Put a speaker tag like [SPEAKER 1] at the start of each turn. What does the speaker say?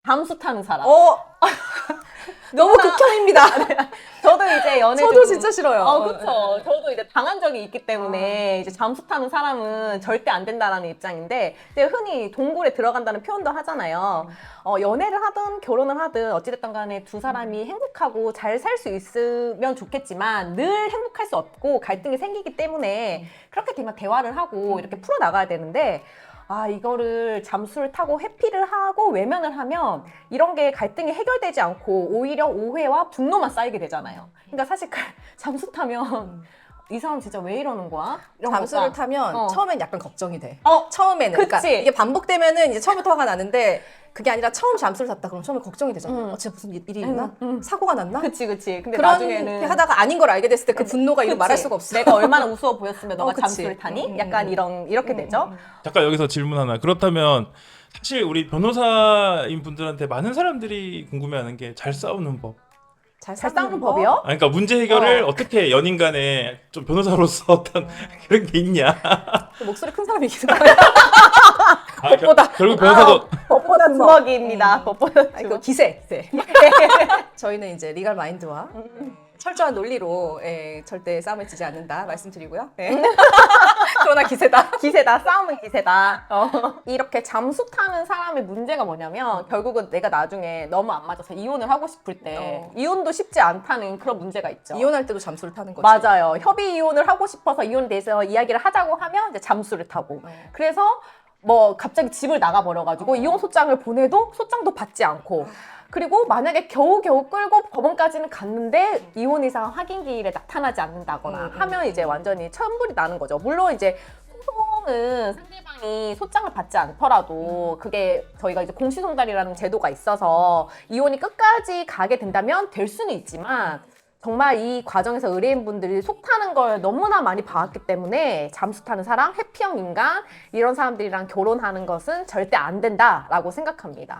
[SPEAKER 1] 잠수 타는 사람.
[SPEAKER 2] 너무 극혐입니다.
[SPEAKER 1] 저도 이제 연애
[SPEAKER 2] 저도 진짜 싫어요.
[SPEAKER 1] 그쵸. 저도 이제 당한 적이 있기 때문에 이제 잠수 타는 사람은 절대 안 된다라는 입장인데, 이제 흔히 동굴에 들어간다는 표현도 하잖아요. 연애를 하든 결혼을 하든 어찌됐든 간에 두 사람이 행복하고 잘 살 수 있으면 좋겠지만 늘 행복할 수 없고 갈등이 생기기 때문에 그렇게 되면 대화를 하고 이렇게 풀어나가야 되는데, 이거를 잠수를 타고 회피를 하고 외면을 하면 이런 게 갈등이 해결되지 않고 오히려 오해와 분노만 쌓이게 되잖아요. 그러니까 사실 잠수 타면 이 사람 진짜 왜 이러는 거야? 이런
[SPEAKER 2] 잠수를
[SPEAKER 1] 거가.
[SPEAKER 2] 타면 처음엔 약간 걱정이 돼.
[SPEAKER 1] 어,
[SPEAKER 2] 처음에는.
[SPEAKER 1] 그치.
[SPEAKER 2] 그러니까 이게 반복되면은 이제 처음부터 화가 나는데, 그게 아니라 처음 잠수를 탔다 그럼 처음에 걱정이 되잖아. 진짜 무슨 일이 있나? 사고가 났나?
[SPEAKER 1] 그치. 근데
[SPEAKER 2] 그렇게
[SPEAKER 1] 나중에는
[SPEAKER 2] 하다가 아닌 걸 알게 됐을 때 그 분노가 이루
[SPEAKER 1] 그치.
[SPEAKER 2] 말할 수가 없어.
[SPEAKER 1] 내가 얼마나 우스워 보였으면 너가
[SPEAKER 2] 그치.
[SPEAKER 1] 잠수를 타니? 약간 이렇게 되죠.
[SPEAKER 3] 잠깐 여기서 질문 하나. 그렇다면 사실 우리 변호사인 분들한테 많은 사람들이 궁금해하는 게 잘 싸우는 법.
[SPEAKER 1] 잘 싸우는 법이요?
[SPEAKER 3] 그러니까 문제 해결을 어떻게 연인 간에 좀 변호사로서 어떤 그런 게 있냐.
[SPEAKER 2] 목소리 큰 사람이기도 하고.
[SPEAKER 3] 결국 변호사도
[SPEAKER 1] 법보다 주먹입니다. 법보다
[SPEAKER 2] 아니, 그
[SPEAKER 1] 주먹.
[SPEAKER 2] 기세. 저희는 이제 리갈 마인드와 철저한 논리로 절대 싸움에 지지 않는다 말씀드리고요. 그러나 기세다.
[SPEAKER 1] 기세다. 싸움은 기세다. 이렇게 잠수 타는 사람의 문제가 뭐냐면 결국은 내가 나중에 너무 안 맞아서 이혼을 하고 싶을 때 이혼도 쉽지 않다는 그런 문제가 있죠.
[SPEAKER 2] 이혼할 때도 잠수를 타는 거지.
[SPEAKER 1] 맞아요. 협의 이혼을 하고 싶어서 이혼에 대해서 이야기를 하자고 하면 이제 잠수를 타고. 그래서 뭐 갑자기 집을 나가버려가지고 이혼 소장을 보내도 소장도 받지 않고. 그리고 만약에 겨우겨우 끌고 법원까지는 갔는데 이혼 이상 확인기일에 나타나지 않는다거나 하면 이제 완전히 천불이 나는 거죠. 물론 이제 소송은 상대방이 소장을 받지 않더라도 그게 저희가 이제 공시송달이라는 제도가 있어서 이혼이 끝까지 가게 된다면 될 수는 있지만, 정말 이 과정에서 의뢰인분들이 속 타는 걸 너무나 많이 봐왔기 때문에 잠수 타는 사람, 회피형 인간 이런 사람들이랑 결혼하는 것은 절대 안 된다라고 생각합니다.